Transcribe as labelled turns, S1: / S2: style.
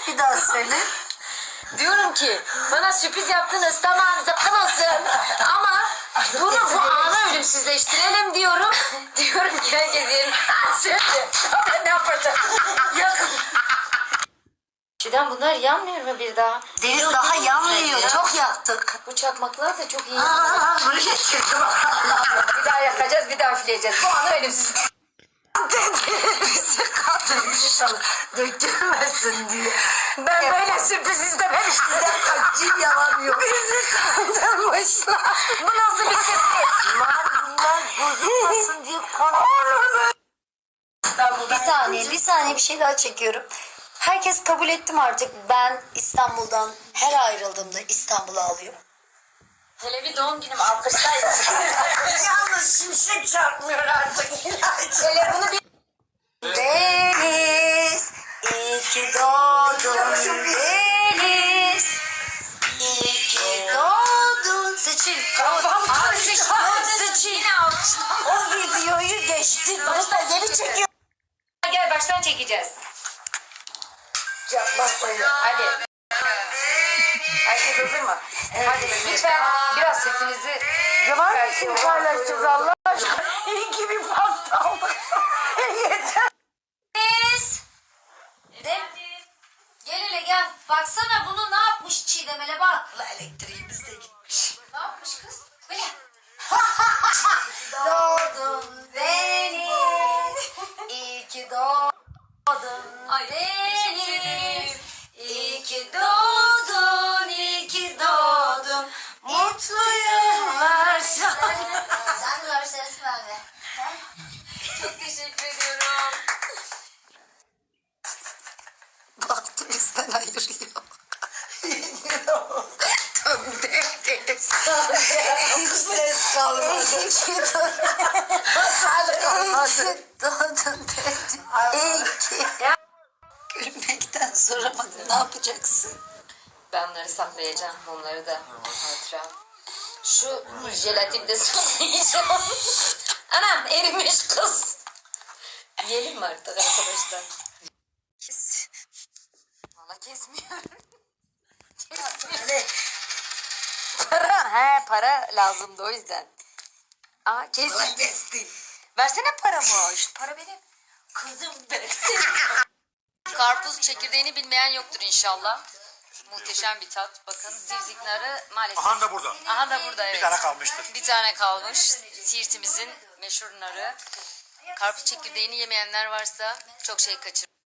S1: Bir daha söyle.
S2: Diyorum ki bana sürpriz yaptınız, tamam zıkkın olsun ama bunu bu anı ölümsüzleştirelim diyorum. Diyorum ki herkes yerim. Söyle. Ama ne yapacağım? Yakın. Şuradan bunlar yanmıyor mu bir daha?
S1: Deniz
S2: Yok,
S1: daha
S2: değil mi?
S1: yanmıyor.
S2: Ya.
S1: Çok yaktık.
S2: Bu çakmaklar da çok iyi yanıyor.
S1: Bunu getirdim.
S2: Bir daha yakacağız, bir daha üfleyeceğiz. Bu anı ölümsüz.
S1: Bizi kandırmışlar. Dökülmesin diye. Ben böyle sürpriz istememiştim. Cin yalanıyor. Bizi kandırmışlar.
S2: Bu nasıl bir sürpriz?
S1: Bunlar bozulmasın diye konuşuyorum. Bir saniye bir şey daha çekiyorum. Herkes kabul ettim artık. Ben İstanbul'dan her ayrıldığımda İstanbul'a alıyorum.
S2: Hele bir doğum günüm alkışlayın.
S1: Yalnız şimşek çarpmıyor artık.
S2: Hele bunu bir...
S1: Deniz, iyi ki doğdun Deniz. İyi ki doğdun. Seçil.
S2: Kafam karıştı.
S1: Seçil.
S2: Yine alkışla.
S1: O videoyu geçti. Bunu da geri çekiyor.
S2: Gel baştan çekeceğiz.
S1: Bakmayın.
S2: Hadi. Herkes hazır mı? Hadi lütfen biraz sesinizi...
S1: Var mısın paylaşacağız Allah aşkına? İyi ki bir pasta aldık. Yeter.
S2: Biz. Gel hele gel. Baksana bunu ne yapmış Çiğdem, hele bak.
S1: Elektriğimiz de gitmiş.
S2: Ne yapmış kız? Böyle.
S1: Doğdun Deniz. İyi ki doğdun Deniz. İyi ki doğdun, iyi ki doğdun. Mutlu yıllar sana.
S3: Sen de versene bende.
S2: Çok teşekkür ediyorum.
S1: Baktı bizden ayırıyor. Deniz. Hiç ses kalmadı. Hadi kalmadı. Doğdun Deniz. İyi ki. Gülmekten soramadım. Ne yapacaksın?
S2: Ben bunları saklayacağım. Onları da hatıra. Şu jelatini de saklayacağım. Anam erimiş kız. Yiyelim mi artık arkadaşlar? Valla kesmiyor. Para lazımdı o yüzden. Aa kesin.
S1: Kestim.
S2: Versene paramı. Şu para benim. Kızım versin. Karpuz çekirdeğini bilmeyen yoktur inşallah. Muhteşem bir tat. Bakın zivzik narı maalesef.
S4: Aha da burada.
S2: Aha da burada, evet.
S4: Bir tane kalmıştır.
S2: Bir tane kalmış. Siirtimizin meşhur narı. Karpuz çekirdeğini yemeyenler varsa çok şey kaçırır.